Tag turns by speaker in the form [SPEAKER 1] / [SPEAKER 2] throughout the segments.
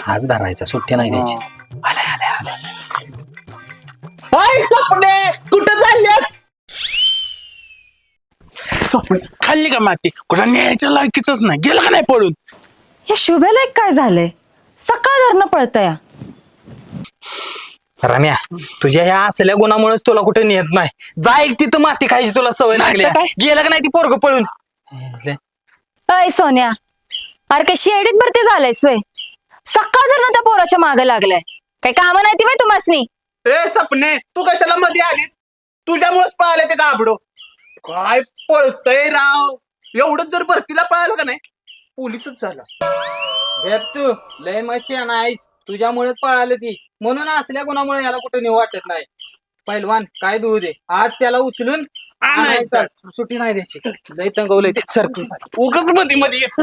[SPEAKER 1] आज धरायचा, सुट्टी नाही द्यायची. आलाय आलाय आलाय.
[SPEAKER 2] हाय सपने, कुठं चालल्यास? सपने खाल्ली का माती? कुठं न्यायच्या लायकीच नाही, गेलं का नाही पळून?
[SPEAKER 3] या शुभ्याला एक काय झालंय? सकाळ धरणं पळतया.
[SPEAKER 1] रम्या, तुझ्या ह्या असल्या गुणामुळेच तुला कुठे नेत नाही. जा एक तिथं माती खायची तुला सवय लागली.
[SPEAKER 2] काय?
[SPEAKER 1] गेलं का नाही ती पोरग पळून?
[SPEAKER 3] अय सोन्या, अरे काय शेडीत भरती झालंय सोय. सकाळ धरणं त्या पोराच्या मागे लागलाय. काय काम नाही ती बाई तुम्हासनी?
[SPEAKER 2] ए सपने, तू कशाला मध्ये आलीस? तुझ्यामुळेच पळाले ते गाबडो. काय पळतय राव. एवढं जर भरतीला पळालं का नाही, पोलीसच झाला असता.
[SPEAKER 1] तू लय मशी नाहीस, तुझ्यामुळेच पळालं ती. म्हणून असल्या गुणामुळे याला कुठे नेऊ वाटत नाही. पैलवान काय देऊ दे, आज त्याला उचलून आणायचं. सुट्टी नाही द्यायची. लय तंगवलंय ते. सर तू
[SPEAKER 2] उगाच मध्ये मध्ये येत.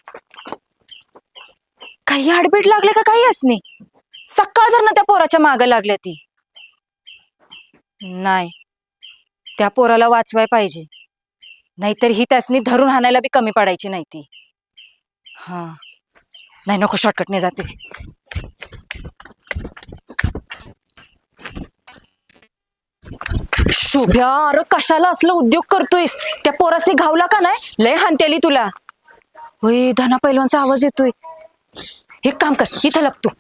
[SPEAKER 3] काही आडबीड लागले का काही असणे? सकाळ धरणं त्या पोराच्या मागे लागल्या ती. नाही, त्या पोराला वाचवाय पाहिजे, नाहीतर ही त्यासनी धरून हाणायला बी कमी पडायची नाही ती. हा नाही, नको, शॉर्टकटने जाते. शुभ्या, अरे कशाला असलं उद्योग करतोयस? त्या पोरासनी घावला का नाही, लय हानतेली तुला. होय, धना पैलवानचा आवाज येतोय. एक काम कर, इथं लपतो.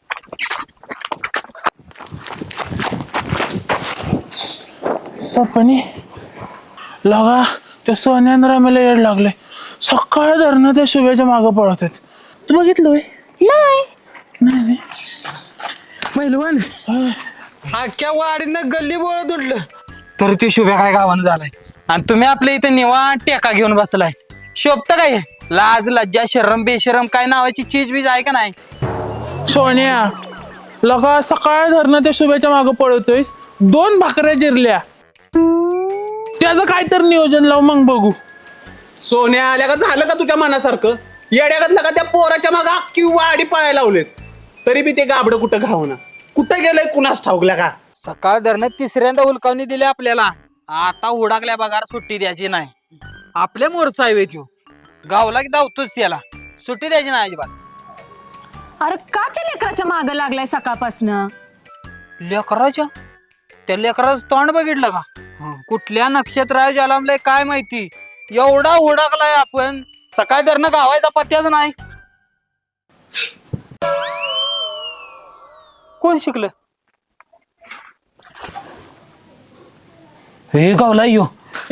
[SPEAKER 2] सपने लगा त्या सोन्यान रामेला येड लागले. सकाळ धरणं त्या शुभ्याच्या मागं पळत आहेत. तू बघितलं? नाही.
[SPEAKER 1] पैलवान, अख्ख्या वाडीनं गल्ली बोळत उडलं तर ती शुभ्या काय गावानं झालाय, आणि तुम्ही आपल्या इथे निवांत टेका घेऊन बसलाय. शोभत काय? लाज लज्जा शरम बेशरम काय नावाची चीज बीज आहे का नाही?
[SPEAKER 2] सोन्या लगा सकाळ धरणं त्या शुभ्याच्या मागं पळतोयस. 2 भाकऱ्या जिरल्या. त्याचं काय तर नियोजन लाव, मग बघू. सोन्या आल्या का झालं का तुझ्या मनासारखं? येड्यागतला का त्या पोराच्या मागं अख्खी वाडी पळायला लावलेस, तरी बी ते गाबडं कुठं घावना. कुठं गेलंय कुणास ठाऊकल्या का?
[SPEAKER 1] सकाळ धरणं तिसऱ्यांदा हुलकावणी दिली आपल्याला. आता हुडाकल्या बघार सुट्टी द्यायची नाही. आपल्या मोरचा आहे त्यो, गावला की धावतोच त्याला. सुट्टी द्यायची नाही अजिबात.
[SPEAKER 3] अरे का त्या लेकराच्या मागे लागलाय सकाळपासनं?
[SPEAKER 1] लेकराच्या? त्या लेकराचं तोंड बघितलं का? कुठल्या नक्षत्रात जन्मलंय काय माहिती, एवढा हुडाकलाय आपण. सकाळ धरणं गावायचा पत्त्याच नाही. कोण शिकलं? हे गावला यो.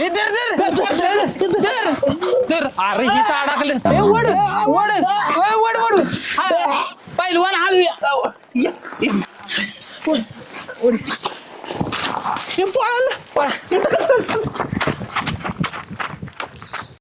[SPEAKER 2] अरे हिचं अडकलं. वड पैलवान हळूया. पळालं.